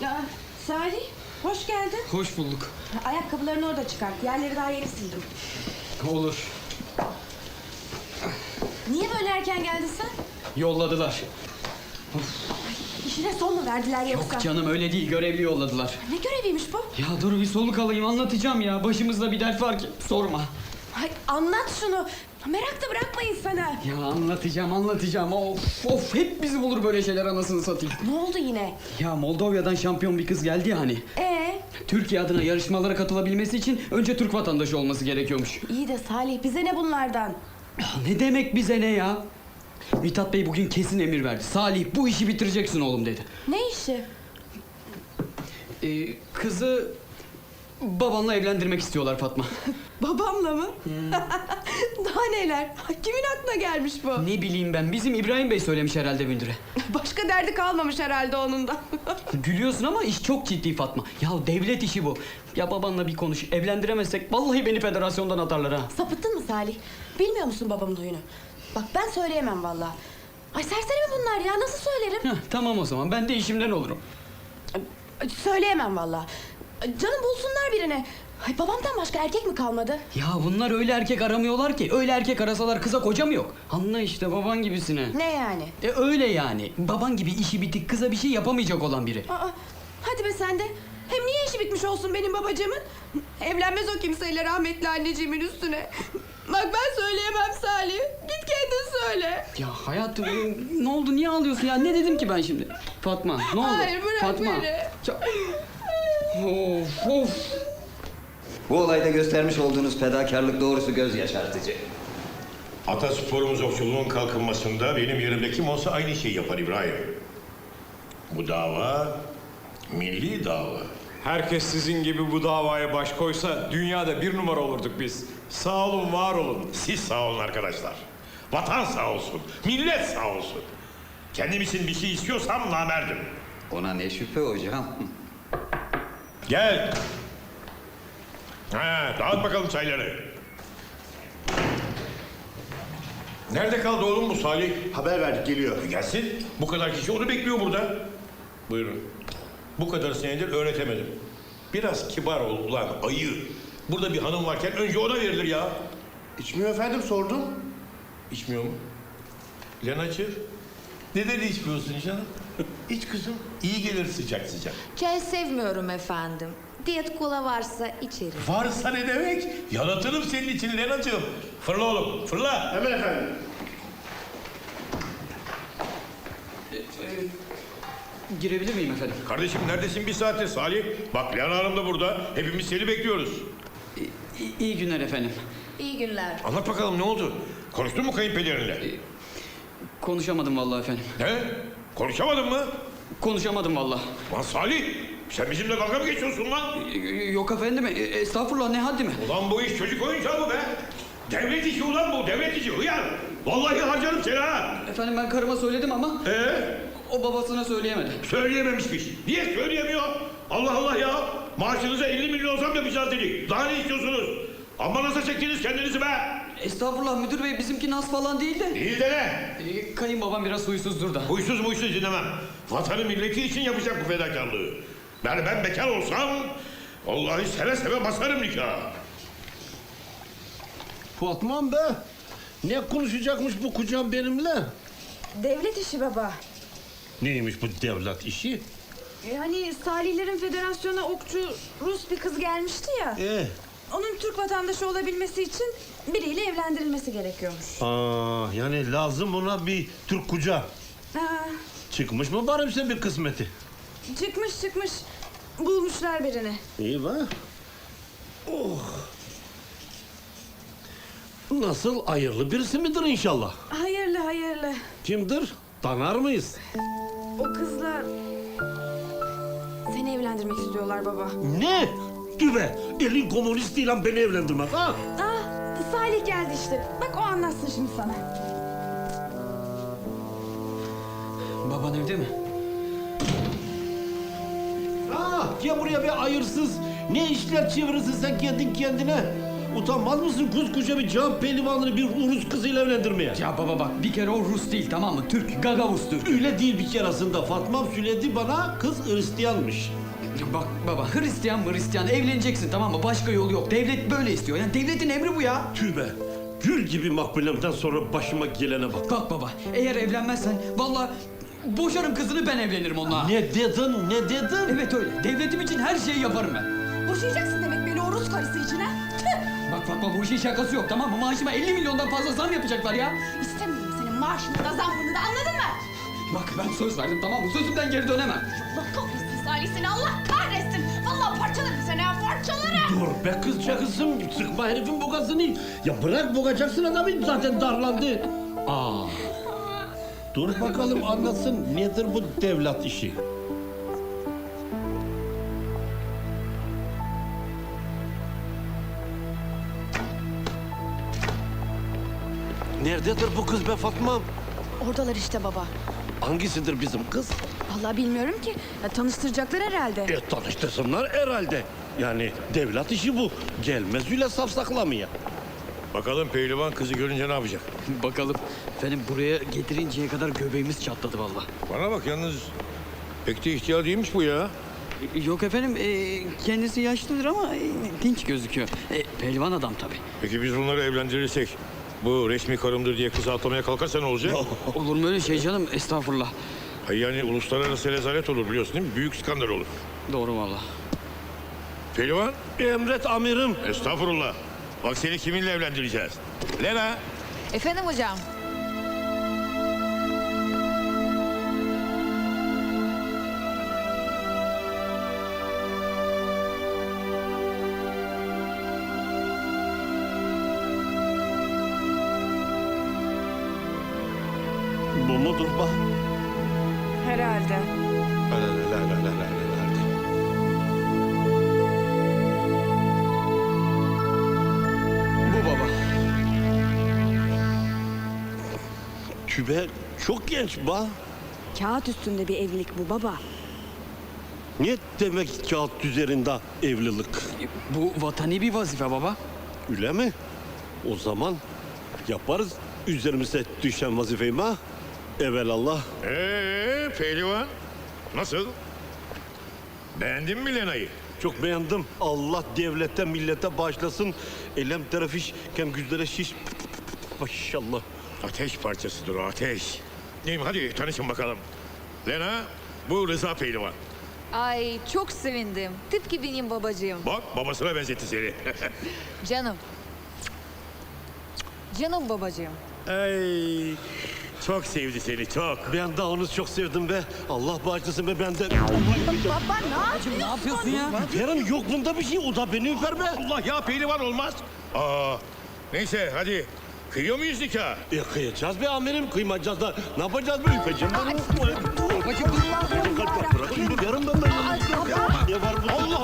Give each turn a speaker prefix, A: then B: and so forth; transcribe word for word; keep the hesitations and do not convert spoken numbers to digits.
A: Ya, Salih, hoş geldin.
B: Hoş bulduk.
A: Ayakkabılarını orada çıkart. Yerleri daha yeni sildim.
B: Olur.
A: Niye böyle erken geldin sen?
B: Yolladılar.
A: İşine son mu verdiler yoksa?
B: Yok canım, öyle değil, görevli yolladılar.
A: Ne göreviymiş bu?
B: Ya dur bir soluk alayım, anlatacağım ya. Başımızda bir dert var ki sorma.
A: Ay, anlat şunu. Merak da bırakma insana.
B: Ya anlatacağım anlatacağım. Of of, hep bizi bulur böyle şeyler, anasını satayım.
A: Ne oldu yine?
B: Ya Moldova'dan şampiyon bir kız geldi ya hani.
A: Ee?
B: Türkiye adına yarışmalara katılabilmesi için önce Türk vatandaşı olması gerekiyormuş.
A: İyi de Salih, bize ne bunlardan?
B: Ya ne demek bize ne ya? Mithat Bey bugün kesin emir verdi. Salih, bu işi bitireceksin oğlum dedi.
A: Ne işi?
B: Ee, kızı babanla evlendirmek istiyorlar Fatma.
A: Babamla mı? Daha neler? Kimin aklına gelmiş bu?
B: Ne bileyim ben, bizim İbrahim Bey söylemiş herhalde müdüre.
A: Başka derdi kalmamış herhalde onun da.
B: Gülüyorsun ama iş çok ciddi Fatma. Ya devlet işi bu. Ya babanla bir konuş, evlendiremezsek vallahi beni federasyondan atarlar ha.
A: Sapıttın mı Salih? Bilmiyor musun babamın huyunu? Bak ben söyleyemem vallahi. Ay serseri mi bunlar ya? Nasıl söylerim?
B: Heh, tamam o zaman, ben de işimden olurum.
A: Ay, söyleyemem vallahi. Ay, canım bulsunlar birini. Ay babamdan başka erkek mi kalmadı?
B: Ya bunlar öyle erkek aramıyorlar ki. Öyle erkek arasalar kıza koca mı yok? Anla işte, baban gibisine.
A: Ne yani?
B: E öyle yani. Baban gibi işi bitik, kıza bir şey yapamayacak olan biri.
A: Aa, hadi be sen de. Hem niye işi bitmiş olsun benim babacığımın? Evlenmez o kimseyle rahmetli anneciğimin üstüne. Bak ben söyleyemem Salih. Git kendin söyle.
B: Ya hayatım, ne oldu, niye ağlıyorsun ya? Ne dedim ki ben şimdi? Fatma, ne oldu?
A: Hayır, bırak
B: Fatma.
A: beni.
B: Ya- Of of.
C: Bu olayda göstermiş olduğunuz fedakarlık doğrusu göz yaşartıcı.
D: Atasporumuz okçuluğun kalkınmasında benim yerimde kim olsa aynı şeyi yapar İbrahim. Bu dava milli dava.
E: Herkes sizin gibi bu davaya baş koysa dünyada bir numara olurduk biz. Sağ olun, var olun.
D: Siz sağ olun arkadaşlar. Vatan sağ olsun, millet sağ olsun. Kendim için bir şey istiyorsam namerdim.
C: Ona ne şüphe hocam.
D: Gel. Ha, dağıt bakalım çayları. Nerede kaldı oğlum bu Salih?
F: Haber verdik, geliyor.
D: E gelsin. Bu kadar kişi onu bekliyor burada. Buyurun. Bu kadar senedir öğretemedim. Biraz kibar ol ulan ayı. Burada bir hanım varken önce ona verilir ya.
F: İçmiyor efendim, sordum.
D: İçmiyor mu? Lenacığım, neden içmiyorsun canım? İç kızım. İyi gelir sıcak sıcak.
G: Çay sevmiyorum efendim. Diyet kola varsa içerim.
D: Varsa ne demek? Yalatırım senin için Lenacığım. Fırla oğlum, fırla.
F: Hemen efendim.
B: Girebilir miyim efendim?
D: Kardeşim neredesin bir saattir Salih? Bak Lena Hanım da burada. Hepimiz seni bekliyoruz.
B: İyi, iyi günler efendim.
G: İyi günler.
D: Anlat bakalım ne oldu? Konuştun mu kayınpederinle?
B: Konuşamadım vallahi efendim.
D: Ne? Konuşamadın mı?
B: Konuşamadım vallahi.
D: Lan Salih, sen bizimle dalga mı geçiyorsun lan?
B: Yok efendim, e, estağfurullah, ne haddime.
D: Ulan bu iş çocuk oyuncağı mı be? Devlet işi ulan bu, devlet işi. Hıyar! Vallahi harcarım seni ha!
B: Efendim ben karıma söyledim ama
D: Ee?
B: o babasına söyleyemedi.
D: Söyleyememişmiş. Niye söyleyemiyor? Allah Allah ya! Maaşınıza elli milyon zam yapacağız dedik. Daha ne istiyorsunuz? Amma nasıl çektiniz kendinizi be?
B: Estağfurullah müdür bey, bizimki nas falan değil de.
D: Değil de ne?
B: E, kayınbabam biraz huysuzdur da.
D: Huysuz muysuz dinlemem. Vatanı milleti için yapacak bu fedakarlığı. Yani ben bekar olsam... Vallahi seve seve basarım nikah.
F: Fatma'm be. Ne konuşacakmış bu kocam benimle?
A: Devlet işi baba.
F: Neymiş bu devlet işi?
A: E, hani Salihlerin federasyona okçu Rus bir kız gelmişti ya.
F: Ee,
A: Onun Türk vatandaşı olabilmesi için biriyle evlendirilmesi gerekiyormuş.
F: aa, yani lazım ona bir Türk koca.
A: Ha,
F: Çıkmış mı bari bize bir kısmeti?
A: çıkmış çıkmış. Bulmuşlar birini.
F: İyi be. Oh. Nasıl, hayırlı birisi midir inşallah?
A: Hayırlı hayırlı.
F: Kimdir? Tanır mıyız?
A: O kızla seni evlendirmek istiyorlar baba.
F: Ne? Düve, elin komünistiyle beni evlendirmez ha?
A: Ah, Salih geldi işte. Bak o anlatsın şimdi sana.
B: Baban evde mi?
F: Ha, ya buraya bir hayırsız. Ne işler çevirirsin sen kendin kendine? Utanmaz mısın koskoca bir can pehlivanını bir Rus kızıyla evlendirmeye?
B: Ya baba bak bir kere o Rus değil tamam mı? Türk, Gagavuz Türk.
F: Öyle değil bir keresinde Fatma'm söyledi bana kız Hristiyanmış.
B: Ya bak baba Hristiyan mı Hristiyan evleneceksin tamam mı? Başka yolu yok. Devlet böyle istiyor. Yani devletin emri bu ya.
F: Tübe. Gül gibi makbulemden sonra başıma gelene bak.
B: Bak baba eğer evlenmezsen vallahi boşarım kızını ben evlenirim onunla.
F: Ne dedin ne dedin?
B: Evet öyle. Devletim için her şeyi yaparım ben.
A: Boşayacaksın demek beni o Rus karısı için ha? Tüh!
B: Bak Fatma bu işin şakası yok tamam mı? Maaşıma elli milyondan fazla zam yapacaklar ya.
A: İstemiyorum senin maaşını da zammını da anladın mı?
B: Bak ben söz verdim tamam mı? Sözümden geri dönemem.
A: Allah kahretsin Salih seni Allah kahretsin. Vallahi parçalarım seni ha parçalarım.
F: Dur be kızca kızım sıkma herifin bogasını. Ya bırak bogacaksın adamı zaten darlandı. Aa. Dur bakalım anlatsın nedir bu devlet işi? Nerededir bu kız be Fatma'm?
A: Oradalar işte baba.
F: Hangisidir bizim kız?
A: Vallahi bilmiyorum ki. Ya, tanıştıracaklar herhalde.
F: E tanıştırsınlar herhalde. Yani devlet işi bu. Gelmez öyle safsaklamaya.
D: Bakalım pehlivan kızı görünce ne yapacak?
B: Bakalım. Efendim buraya getirinceye kadar göbeğimiz çatladı vallahi.
D: Bana bak yalnız pek de ihtiyar değilmiş bu ya.
B: Yok efendim e, kendisi yaşlıdır ama e, dinç gözüküyor. E, pehlivan adam tabii.
D: Peki biz bunları evlendirirsek bu resmi karımdır diye kızı atlamaya kalkarsa ne olacak?
B: Olur mu öyle şey canım? Estağfurullah.
D: Hayır yani uluslararası rezalet olur biliyorsun değil mi? Büyük skandal olur.
B: Doğru vallahi.
D: Pehlivan,
F: Emret amirim.
D: estağfurullah. Bak seni kiminle evlendireceğiz? Lena.
G: Efendim hocam.
F: Bu mudur bak?
A: Herhalde.
D: La la la la la la la.
B: Bu baba.
F: Tübe çok genç ba.
A: Kağıt üstünde bir evlilik bu baba.
F: Ne demek kağıt üzerinde evlilik?
B: E, Bu vatani bir vazife baba.
F: Öyle mi? O zaman yaparız üzerimize düşen vazifeyi ha? Evelallah.
D: Ee, pehlivan. Nasıl? Beğendin mi Lena'yı?
F: Çok beğendim. Allah devlete millete bağışlasın. Elem terafiş kem güzlere şiş. Maşallah.
D: Ateş parçasıdır o ateş. Neyim hadi tanışın bakalım. Lena, bu Rıza pehlivan.
G: Ay çok sevindim. Tıpkı benim babacığım.
D: Bak babasına benzetti seni.
G: Canım. Canım babacığım.
D: Ay, çok sevdi seni çok.
F: Ben de onu çok sevdim be. Allah bağışlasın be ben de.
A: Baba ne
B: Ne yapıyorsun ya?
F: Yarın yok bunda bir şey. O da beni öper be.
D: Allah ya pehlivan olmaz. Aa, neyse hadi. Kıyıyor muyuz nikah?
F: E kıyacağız be amirim. Kıymayacağız da. Ne yapacağız be? Öpeceğim ben onu.
B: Babacığım
F: Bırakın yarın ben ben. Ne var bu?
D: Allah